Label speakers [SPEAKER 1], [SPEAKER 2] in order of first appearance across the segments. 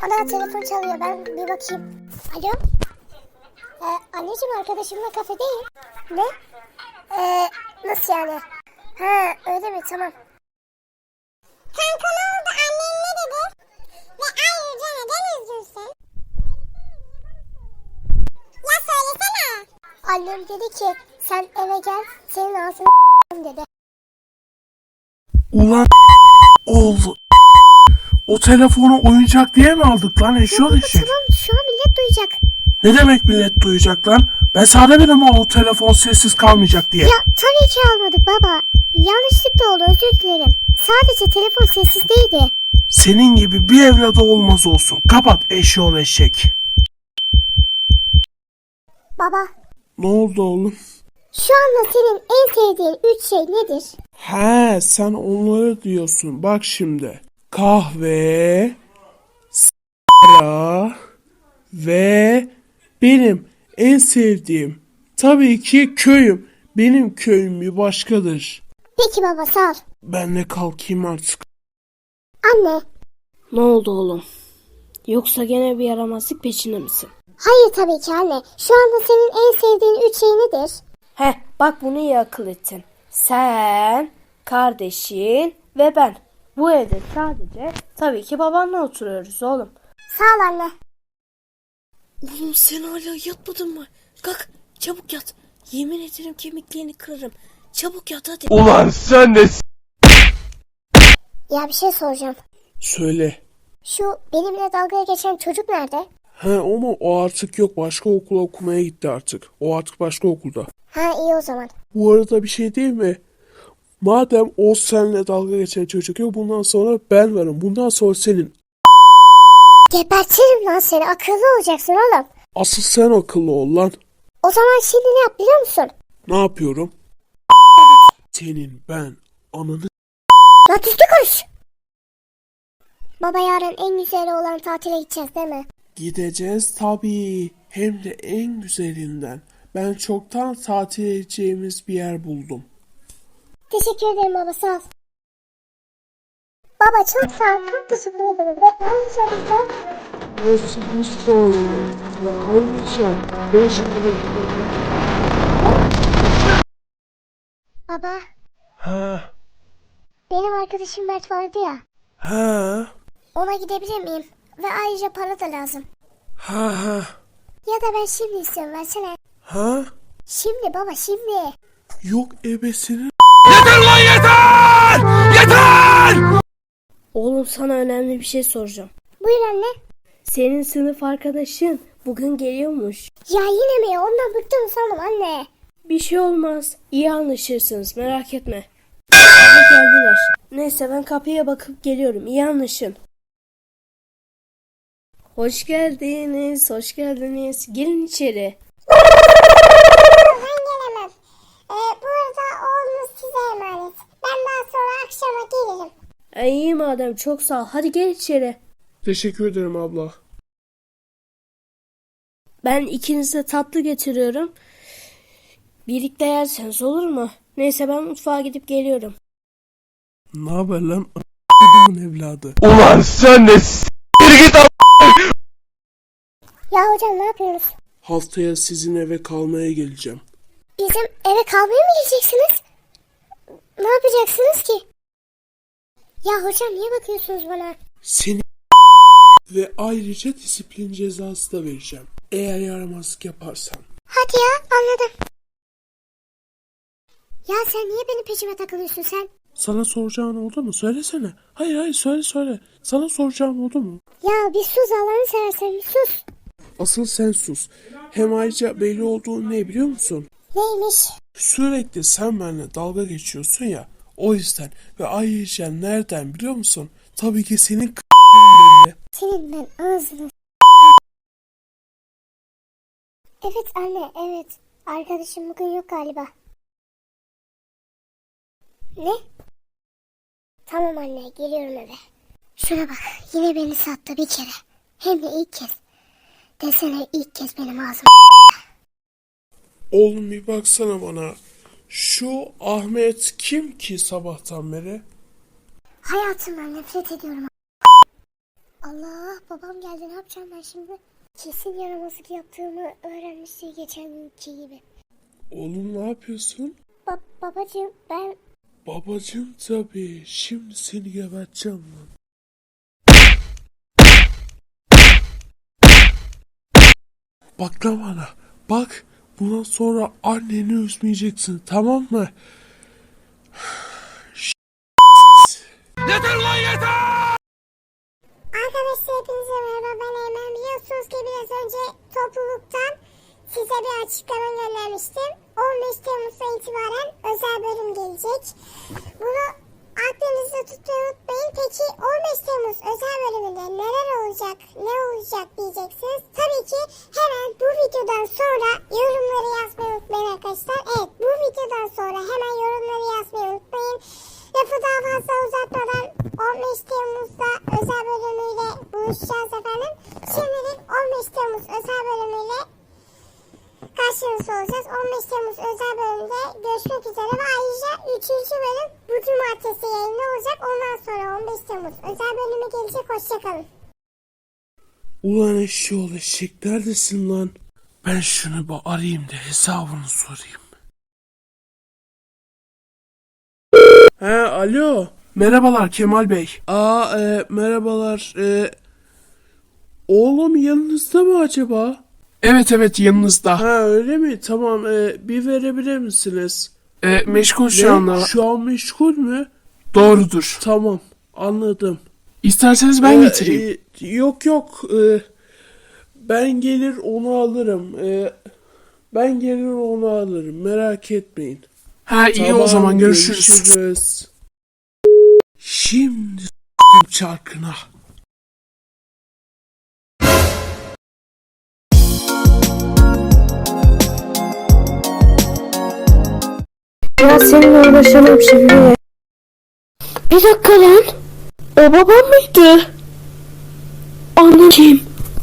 [SPEAKER 1] Ana telefon çalıyor, ben bir bakayım. Alo? Anneciğim, arkadaşımla kafedeyim. Ne? Nasıl yani? Ha, öyle mi? Tamam. Kanka ne oldu? Annen ne dedi? Ve ayrıca neden üzgünsün? Ya söylesene. Annem dedi ki sen eve gel, senin ağzını dedi.
[SPEAKER 2] Ulan oldu. O telefonu oyuncak diye mi aldık lan eşyol eşek?
[SPEAKER 1] Tamam, şu an millet duyacak.
[SPEAKER 2] Ne demek millet duyacak lan? Ben sana dedim o telefon sessiz kalmayacak diye.
[SPEAKER 1] Ya tabii ki almadık baba. Yanlışlıkla oldu, özür dilerim. Sadece telefon sessizdeydi.
[SPEAKER 2] Senin gibi bir evladı olmaz olsun. Kapat eşyol eşek.
[SPEAKER 1] Baba,
[SPEAKER 2] Ne oldu oğlum?
[SPEAKER 1] şu anda senin en sevdiğin 3 şey nedir?
[SPEAKER 2] He, sen onları diyorsun. Bak şimdi. Kahve, sigara ve benim en sevdiğim tabii ki köyüm. Benim köyüm bir başkadır.
[SPEAKER 1] Peki baba, sağ ol.
[SPEAKER 2] Ben de kalkayım artık.
[SPEAKER 1] Anne.
[SPEAKER 3] Ne oldu oğlum? Yoksa gene bir yaramazlık peşinde misin?
[SPEAKER 1] Hayır tabii ki anne. Şu anda senin en sevdiğin 3 şey nedir?
[SPEAKER 3] Heh, bak bunu iyi akıl ettin. Sen, kardeşin ve ben. Bu evde sadece tabii ki babanla oturuyoruz oğlum.
[SPEAKER 1] Sağ ol anne.
[SPEAKER 3] Oğlum sen hala yatmadın mı? Kalk çabuk yat. Yemin ederim kemiklerini kırarım. Çabuk yat hadi.
[SPEAKER 4] Ulan sen de
[SPEAKER 1] Ya bir şey soracağım.
[SPEAKER 2] Söyle.
[SPEAKER 1] Şu benimle dalgaya geçen çocuk nerede?
[SPEAKER 2] He ama o artık yok. Başka okula okumaya gitti artık. O artık başka okulda.
[SPEAKER 1] Ha, iyi o zaman.
[SPEAKER 2] Bu arada bir şey değil mi? Madem o seninle dalga geçen çocuk yok, bundan sonra ben varım. Bundan sonra senin.
[SPEAKER 1] Gebertirim lan seni. Akıllı olacaksın oğlum.
[SPEAKER 2] Asıl sen akıllı ol lan.
[SPEAKER 1] O zaman şimdi ne yap biliyor musun?
[SPEAKER 2] Ne yapıyorum? Senin ben ananı...
[SPEAKER 1] Lan düzgün konuş. Baba, yarın en güzeli olan tatile gideceğiz değil mi?
[SPEAKER 2] Gideceğiz tabii. Hem de en güzelinden. Ben çoktan tatil edeceğimiz bir yer buldum.
[SPEAKER 1] Teşekkür ederim baba, sağ ol. Baba çok sağ ol. Çok teşekkür ederim. Ve konuşalım. Baba,
[SPEAKER 2] Ha,
[SPEAKER 1] benim arkadaşım Mert vardı ya.
[SPEAKER 2] ha,
[SPEAKER 1] Ona gidebilir miyim? Ve ayrıca para da lazım.
[SPEAKER 2] ha,
[SPEAKER 1] Ya da ben şimdi istiyorum, versene.
[SPEAKER 2] ha.
[SPEAKER 1] Şimdi baba, şimdi.
[SPEAKER 2] Yok ebesinin...
[SPEAKER 4] yeter lan yeter! Yeter!
[SPEAKER 3] Oğlum sana önemli bir şey soracağım.
[SPEAKER 1] Buyur anne.
[SPEAKER 3] Senin sınıf arkadaşın bugün geliyormuş.
[SPEAKER 1] Ya yine mi? Ondan bıktım sandım anne.
[SPEAKER 3] Bir şey olmaz. İyi anlaşırsınız merak etme. Aha, geldiler. Neyse ben kapıya bakıp geliyorum. İyi anlaşın. Hoş geldiniz. Hoş geldiniz. Gelin içeri.
[SPEAKER 1] Ben gelemem. Bu arada oğlunuz size emanet. Ben daha sonra akşama gelirim.
[SPEAKER 3] İyi madem çok sağ ol. Hadi gel içeri.
[SPEAKER 2] Teşekkür ederim abla.
[SPEAKER 3] Ben ikinize tatlı getiriyorum. Birlikte yerseniz olur mu? Neyse ben mutfağa gidip geliyorum.
[SPEAKER 2] Ne haber lan? A*****'in evladı.
[SPEAKER 4] Ulan sen de git al.
[SPEAKER 1] Ya hocam, ne yapıyorsunuz?
[SPEAKER 2] Haftaya sizin eve kalmaya geleceğim.
[SPEAKER 1] Bizim eve kalmaya mı geleceksiniz? Ne yapacaksınız ki? Ya hocam, niye bakıyorsunuz bana?
[SPEAKER 2] Seni ve ayrıca disiplin cezası da vereceğim. Eğer yaramazlık yaparsan.
[SPEAKER 1] Hadi ya, anladım. Ya sen niye benim peşime takılıyorsun sen?
[SPEAKER 2] Sana soracağın oldu mu? Söylesene. Hayır söyle. Sana soracağım oldu mu?
[SPEAKER 1] Ya bir sus, Allah'ını seversen bir sus.
[SPEAKER 2] Asıl sen sus. Hem ayrıca belli olduğu ne biliyor musun?
[SPEAKER 1] Neymiş?
[SPEAKER 2] Sürekli sen benimle dalga geçiyorsun ya. O yüzden ve ayrıca nereden biliyor musun? Tabii ki senin belli.
[SPEAKER 1] Senin ben ağzını... Evet anne, evet. Arkadaşım bugün yok galiba. Ne? Tamam anne, geliyorum eve. Şuna bak, yine beni sattı bir kere. Hem de ilk kez. Desene, ilk kez benim ağzım...
[SPEAKER 2] Oğlum bir baksana bana. Şu Ahmet kim ki sabahtan beri?
[SPEAKER 1] Hayatımdan nefret ediyorum. Allah, babam geldi, ne yapacağım ben şimdi? Kesin yaramazlık yaptığımı öğrenmişti geçen günkü gibi.
[SPEAKER 2] Oğlum ne yapıyorsun?
[SPEAKER 1] Babacığım ben...
[SPEAKER 2] Babacım tabii. Şimdi seni geberteceğim lan. Bak lan bana. Bak. Bundan sonra anneni üzmeyeceksin. Tamam mı?
[SPEAKER 4] Yeter lan yeter!
[SPEAKER 1] Arkadaşlar hepinize merhaba, ben Eymen. Biliyorsunuz ki biraz önce topluluktan size bir açıklama göndermiştim. 15 Temmuz'dan itibaren özel bölüm gelecek. Bunu aklınızda tutmayı unutmayın. Peki 15 Temmuz özel bölümünde neler olacak, ne olacak diyeceksiniz. Tabii ki hemen bu videodan sonra yorumları yazmayı unutmayın arkadaşlar. Evet, bu videodan sonra hemen yorumları yazmayı unutmayın. Lafı daha fazla uzatmadan 15 Temmuz'da özel bölümüyle buluşacağız efendim. Şimdilik 15 Temmuz özel bölümüyle karşınızda olacağız. 15 Temmuz özel bölümde görüşmek üzere ve ayrıca 3. bölüm bu cumartesi yayında olacak. Ondan sonra 15 Temmuz özel bölümü gelecek. Hoşçakalın.
[SPEAKER 2] Ulan eşşoğlu eşek neredesin lan? Ben şunu bir arayayım da hesabını sorayım. He alo. Merhabalar Kemal Bey. Merhabalar. Oğlum yanınızda mı acaba? Evet yanınızda. Ha öyle mi? Tamam bir verebilir misiniz? Meşgul şu anda. Şu an meşgul mü? Doğrudur. Tamam anladım. İsterseniz ben getireyim. Yok. Ben gelir onu alırım. Ben gelir onu alırım. Merak etmeyin. Ha iyi
[SPEAKER 3] Tamam,
[SPEAKER 2] o zaman görüşürüz. Şimdi s**tim çarkına.
[SPEAKER 3] Ya seninle uğraşamam şimdi. Bir dakika lan. O babam mıydı? Anneciğim.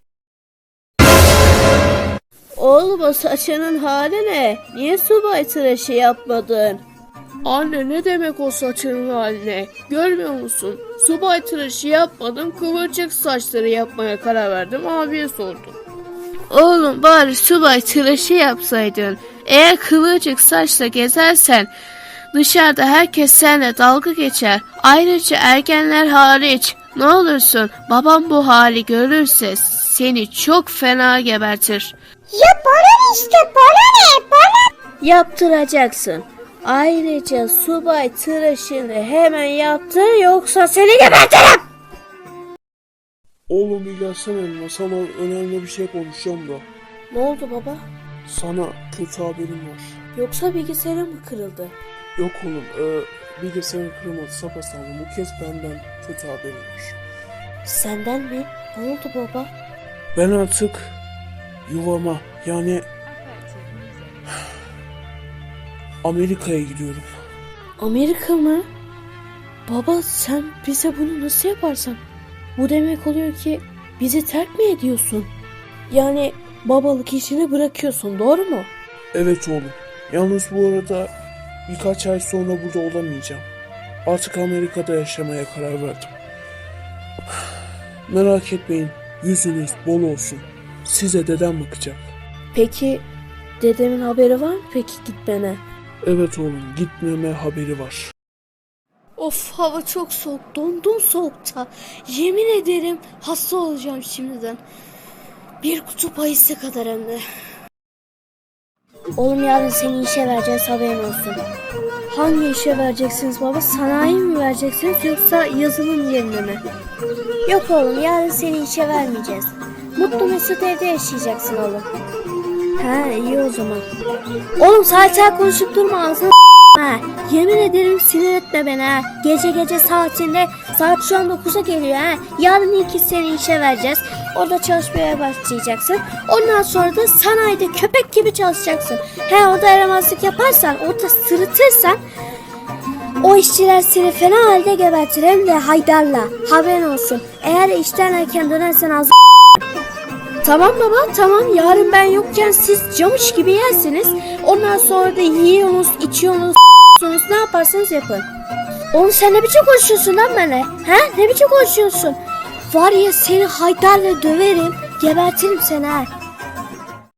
[SPEAKER 3] Oğlum o saçının hali ne? Niye subay tıraşı yapmadın? Anne ne demek o saçının haline? Görmüyor musun? Subay tıraşı yapmadım, kıvırcık saçları yapmaya karar verdim, abiye sordum. Oğlum bari subay tıraşı yapsaydın. Eğer kıvırcık saçla gezersen dışarıda herkes seninle dalga geçer. Ayrıca ergenler hariç. Ne olursun babam bu hali görürse seni çok fena gebertir.
[SPEAKER 1] Ya bana işte, bana ne? Bana...
[SPEAKER 3] Yaptıracaksın. Ayrıca subay tıraşını hemen yaptır yoksa seni gebertirim.
[SPEAKER 2] Oğlum bir gelsene yanıma. Sana önemli bir şey konuşacağım da.
[SPEAKER 3] Ne oldu baba?
[SPEAKER 2] Sana kötü haberim var.
[SPEAKER 3] Yoksa bilgisayarın mı kırıldı?
[SPEAKER 2] Yok oğlum bilgisayarın kırılmadı sapasağlam. Bu kez benden kötü haberim var.
[SPEAKER 3] Senden mi? Ne oldu baba?
[SPEAKER 2] Ben artık yuvama yani Amerika'ya gidiyorum.
[SPEAKER 3] Amerika mı? Baba sen bize bunu nasıl yaparsan? Bu demek oluyor ki bizi terk mi ediyorsun? Yani babalık işini bırakıyorsun, doğru mu?
[SPEAKER 2] Evet oğlum. Yalnız bu arada birkaç ay sonra burada olamayacağım. Artık Amerika'da yaşamaya karar verdim. Merak etmeyin. Yüzünüz bol olsun. Size dedem bakacak.
[SPEAKER 3] Peki dedemin haberi var mı peki gitmene?
[SPEAKER 2] Evet oğlum gitmeme haberi var.
[SPEAKER 3] Of hava çok soğuk, dondum soğukta. Yemin ederim hasta olacağım şimdiden. Bir kutu ayısı kadar hem de. Oğlum yarın seni işe vereceğiz, haberin olsun. Hangi işe vereceksiniz baba? Sanayi mi vereceksiniz yoksa yazılım yerine mi? Yok oğlum, yarın seni işe vermeyeceğiz. Mutlu mesut evde yaşayacaksın oğlum. Ha iyi o zaman. Oğlum saat konuşup durma, ağzını ha. Yemin ederim sinir etme beni ha. Gece saatinde, saat şu an 9'a geliyor ha. Yarın ilk seni işe vereceğiz. Orada çalışmaya başlayacaksın. Ondan sonra da sanayide köpek gibi çalışacaksın. Orada yaramazlık yaparsan, orada sırıtırsan o işçiler seni fena halde gebertir, hem de Haydar'la. Haberin olsun. Eğer işten erken dönersen az. Tamam baba, tamam. Yarın ben yokken siz camış gibi yersiniz. Ondan sonra da yiyorsunuz, içiyorsunuz, ne yaparsanız yapın. Oğlum sen ne biçim konuşuyorsun lan benimle? Ne biçim konuşuyorsun? Var ya seni Haydar'la döverim, gebertirim seni ha.